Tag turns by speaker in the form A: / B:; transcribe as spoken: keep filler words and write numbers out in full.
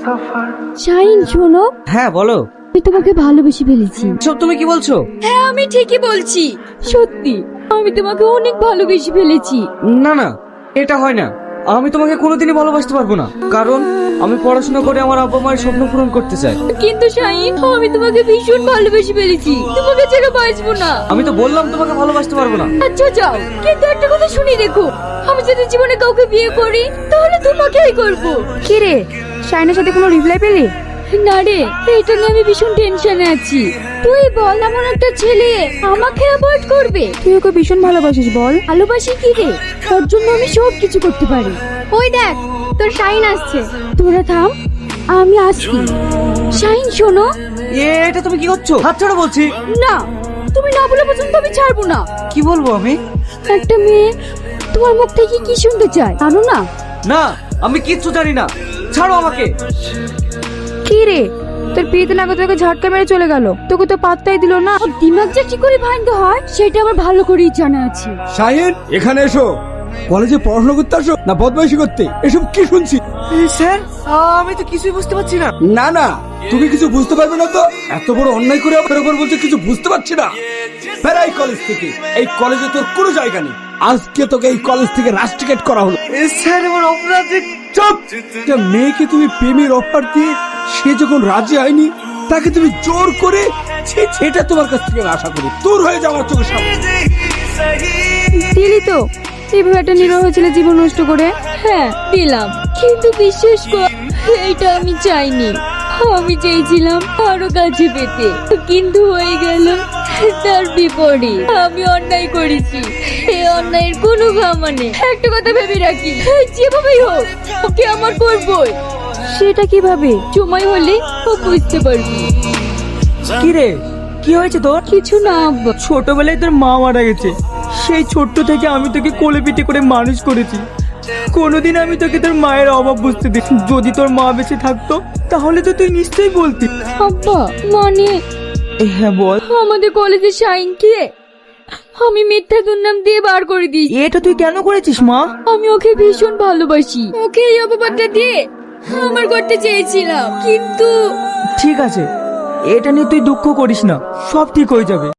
A: শাহিন শোনো,
B: হ্যাঁ বলো।
A: আমি তোমাকে ভালোবেসে ফেলেছি।
B: সব তুমি কি বলছো?
A: হ্যাঁ আমি ঠিকই বলছি, সত্যি আমি তোমাকে অনেক ভালোবেসে ফেলেছি।
B: না না, এটা হয় না। আমি তোমাকে কোনোদিনই ভালোবাসতে পারবো না, কারণ আমি পড়াশোনা করে আমার আব্বা মায়ের স্বপ্ন পূরণ করতে চাই।
A: কিন্তু শাহিন, আমি তোমাকে ভীষণ ভালোবেসে ফেলেছি, তোমাকে ছেড়ে বাঁচবো না।
B: আমি তো বললাম তোমাকে ভালোবাসতে পারবো না।
A: আচ্ছা যাও, কিন্তু একটা কথা শুনি রেখো, আমি যদি জীবনে কাউকে বিয়ে করি তাহলে তোমাকেই করবো।
C: কি রে, শাইনের সাথে কোনো রিপ্লাই পেলি?
A: না রে, এটা নিয়ে আমি ভীষণ টেনশনে আছি। তুই বল, এমন একটা ছেলে আমাকে অ্যাভয়েড করবে?
C: তুই ওকে ভীষণ ভালোবাসিস বল।
A: ভালোবাসি কি রে, তোর জন্য আমি সব কিছু করতে পারি।
C: ওই দেখ, তোর শাইন আসছে।
A: তোরা থাম, আমি আসছি। শাহিন শোনো।
B: এ, এটা তুমি কি করছো? হাত ছাড়ো বলছি।
A: না, তুমি না বলে পর্যন্ত আমি ছাড়বো না।
B: কি বলবো আমি?
A: একটা মেয়ে তোমার মুখ থেকে কি শুনতে চায় জানো না?
B: না, আমি কিচ্ছু জানি না, ছাড়ো আমাকে।
C: কি রে, তোর বিয়েতে না তোকে ঝটকা মেরে চলে গেল, তোকে তো পাত্তাই দিল না।
A: ওর দিমাগ যে কি করে ভাঙতে হয় সেটা আমার ভালো করেই জানা আছে।
D: শাহিন, এখানে এসো। কলেজে পড়াশোনা করতে আসো না বদমাইশি করতে? এসব কি শুনছি?
B: স্যার, আমি তো কিছুই বুঝতে পারছি না।
D: না না, তুমি কিছু বুঝতে পারবে না তো? এত বড় অন্যায় করে আমার উপর বলছে কিছু বুঝতে পারছি না। বেড়াই কলেজ থেকে, এই কলেজে তোর কোনো জায়গা নেই। আজকে তোকে এই কলেজ থেকে রাস্টিকেট করা হলো।
B: স্যার, আমার অপরাধ।
D: চুপ! একটা মেয়েকে তুমি প্রেমের অফার দিয়ে সে যখন রাজি হয়নি, তাকে তুমি জোর করে, ছি, এটা তোমার কাছ থেকে আশা করি। দূর হয়ে যাও আমার চোখের সামনে।
C: দিলি তো এইভাবে একটা নিরহ ছেলে জীবন নষ্ট করে।
A: হ্যাঁ দিলাম, কিন্তু বিশ্বাস কর, এটা আমি চাইনি। আমি চেয়েছিলাম আরো কাছে পেতে, কিন্তু হয়ে গেল তার বিপরীত। আমি অন্যায় করেছি, এই অন্যায়ের কোনো ক্ষমা নেই। একটা কথা ভেবে রাখি, যেভাবেই হোক ওকে আমার করবই।
C: সেটা কিভাবে?
A: সময় হলে ও বুঝতে পারবি।
B: কি রে, কি হয়েছে তোর?
A: কিছু না আব্বা।
E: ছোটবেলায় তোর মা মারা গেছে, সেই ছোট্ট থেকে আমি তোকে কোলে পিঠে করে মানুষ করেছি। কোনোদিন আমি তোকে তোর মায়ের অভাব বুঝতে দিই। যদি তোর মা বেঁচে থাকতো তাহলে তো তুই নিশ্চয়ই বলতি।
A: আব্বা মানে
E: হ্যাঁ বল।
A: আমাদের কলেজে শাইনকে আমি মিথ্যা দুর্নাম দিয়ে বার করে দিই।
E: এটা তুই কেন করেছিস মা?
A: আমি ওকে ভীষণ ভালোবাসি, ওকে এই অপবাদটা দিয়ে আমার করতে চেয়েছিলাম, কিন্তু
E: ঠিক আছে, এটা নিয়ে তুই দুঃখ করিস না, সব ঠিক হয়ে যাবে।